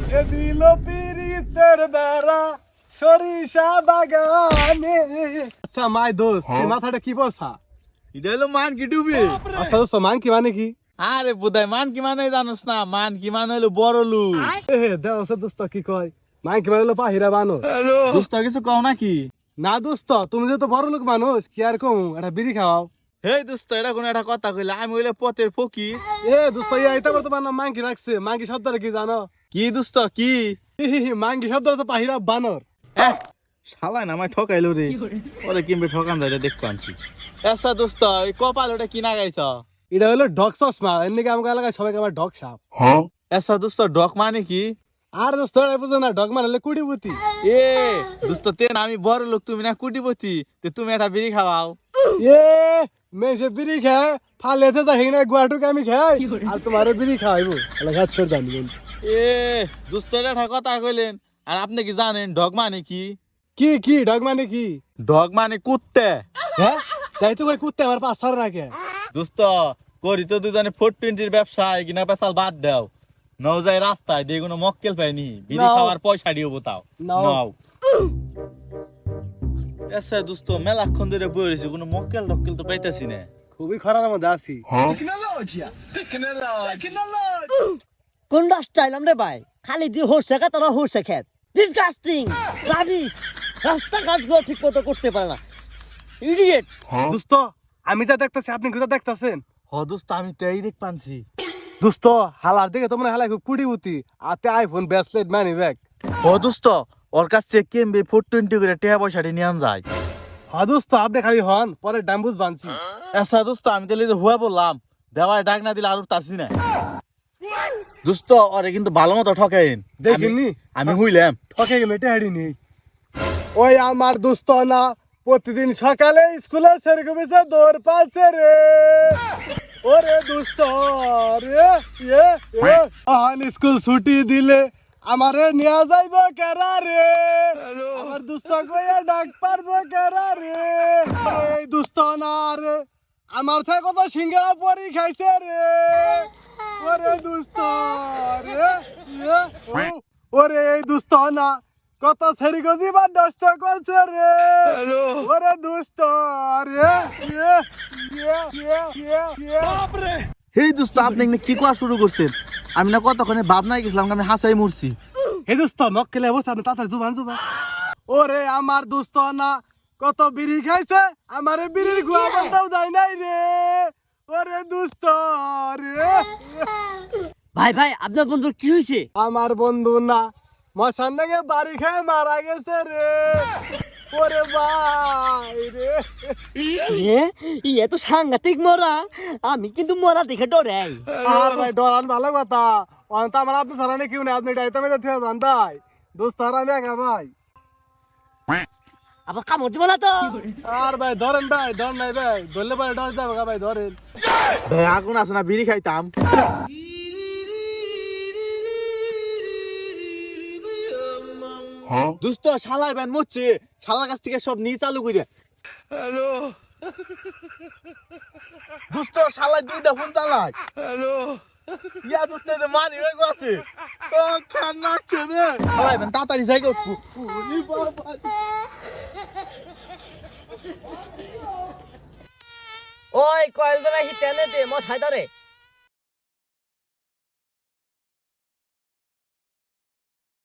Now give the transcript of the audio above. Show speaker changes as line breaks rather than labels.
এ দিল পিরিতের বেড়া সরিষা বাগানে। আচ্ছা মাই দোস্ত এই মাথাটা কি পড়ছা?
এটা হলো মান কি ডুবে।
আচ্ছা দোস্ত মান কি মানে কি?
আরে বুদাই মান কি মানে জানোস না? মান কি মানে হলো বড় লোক।
দেওয়া দোস্ত কি কয় মান কি মানে হলো পাহিরা বানো।
দোস্ত কিছু কও নাকি?
না দোস্ত তুমি যে তো বড় লোক মানুষ কি আর কম একটা বিড়ি খাওয়াও।
হে দোস্ত এটা কোন একটা কথা কইলা, আমি হইলে পথের ফকির।
দোস্ত এইটা তোমার নাম মাঙ্কি রাখছে, মাঙ্কি শব্দটা কি জানো?
কি দোস্ত কি?
মাঙ্কি শব্দটা তো পাহিরা বানর।
শালা না আমায় ঠকাইলো রে। ওরে কিমবে ঠকান যায় দেখতে আনছি। আচ্ছা দোস্ত এই কপাল ওটা কি না গাইছ?
এটা হলো ডগ চশমা, এমনি আমাকে এলাকায় সবাইকে আমার ডগ সাপ।
আচ্ছা দোস্ত ডক মানে কি?
আর দোস্ত এটা বুঝো না, ডগ মানে হলো কুড়িপুতি।
এ দোস্ত তেন আমি বড় লোক তুমি না কুটিপতি, তে তুমি একটা বিড়ি খাওয়াও।
এ মেসে বিড়ি খায় ফালেতে যাই না গুয়াটুকে আমি খাই আর তোমারও বিড়ি খাওয়াইবো এলাকা ছোট জানি।
এ দোস্ত এটা কথা কইলেন, আর আপনি কি জানেন ডগ মানে কি?
কি কি ডগ মানে কি?
ডগ মানে কুত্তে।
হ্যাঁ তাই তো কই কুত্তে আমার পাঁচ সার রাখে।
দোস্ত করি তো দুজনে 420 ব্যবসা কিনা পেশাল বাদ দাও। নও যাই রাস্তায় দিয়ে কোনো মক্কেল পাইনি, বিড়ি
নাও।
খাওয়ার পয়সা দিও তাও
নাও।
নাও। আচ্ছা দোস্ত মেলাক্ষণ ধরে বই রয়েছে, কোনো মক্কেল টক্কেল তো পাইতাছি না।
খুবই খারাপ মধ্যে আছি।
কোনটা চাইলাম রে ভাই, খালি দিয়ে হচ্ছে খা তারা হচ্ছে খেত ডিসগাস্টিং রাবিশ। রাস্তাঘাটগুলো ঠিক মতো করতে পারে না, ইডিয়েট।
দোস্ত আমি যা দেখতাছি আপনি কোথা দেখতাছেন?
হ দোস্ত আমি তো এই দেখ পানছি।
দোস্ত হালার দিকে তোমরা হালাই খুব কুড়িপুতি আতে আইফোন ব্রেসলেট মানি ব্যাগ।
হ দোস্ত ওর কাছ থেকে কেমবে 420 করে টাকা পয়সাটি নিয়ে যায়।
হ্যাঁ দোস্ত আপনি খালি হন পরে ডাম্বুজ বানছি।
আচ্ছা দোস্ত আমি তাহলে হুয়া বললাম, দেওয়ায় ডাক না দিলে আর তারছি না। দোস্ত ওরে কিন্তু ভালো মতো ঠকাইন।
দেখিনি
আমি হইলাম
ঠকে গেলে টেহারি নেই। ওই আমার দোস্ত না প্রতিদিন সকালে স্কুলে সেরকম এসে দৌড় পাচ্ছে রে। ওরে দোস্ত রে স্কুল ছুটি দিলে আমারে নিয়ে যাইব কেরা রে। আমার দোস্ত কইয়া ডাক পারবো কেরা রে। এই দোস্ত না রে আমার থেকে কত সিঙ্গারা পরি খাইছে রে। ওরে দোস্ত রে ওরে এই দোস্ত না কত সেরি গজিবা নষ্ট করছে রে। ওরে দোস্ত রে
এই দোস্ত আপনি এখানে কি করা শুরু করছেন? আমি না কতক্ষণে ভাবনায় গেছিলাম, আমি হাসাই মরছি।
হে দোস্ত মক্কেলে বসে আপনি তাড়াতাড়ি জুবান জুবান। ওরে আমার দোস্ত না কত বিড়ি খাইছে আমারে বিড়ির গুয়া বলতেও দেয় নাই রে। ওরে দোস্ত রে
ভাই ভাই আপনার বন্ধুর কি হয়েছে?
আমার বন্ধু না মশান নাকি বাড়ি খেয়ে মারা গেছে রে। ওরে ভাই রে
এত সাংঘাতিক মরা, আমি কিন্তু মরা দেখে ডরাই।
আর ভাই ডরান ভালো কথা অন্ত আমার আপনি ধরানে কেউ নেই, আপনি ডাইতে মেয়ে ঠিক জান ভাই দোস্ত আর আমি একা ভাই।
আবার কামড় দিব না তো?
আর ভাই ধরেন ভাই ডর নাই ভাই ধরলে পরে ডর যাবে ভাই ধরেন।
ভাই আগুন আছে না, বিড়ি খাইতাম। দোস্ত শালাই ব্যান মরছে, শালার কাছ থেকে সব নিয়ে চালু করে। হ্যালো দোস্ত শালাই দুইটা ফোন চালায়। হ্যালো ইয়া দোস্ত এতে মানি হয়ে গেছে। ও খান্না আছে রে। শালাই ব্যান তাড়াতাড়ি যাই গো।
ওই কয়েল ধরে হি টেনে দে মশাই ধরে।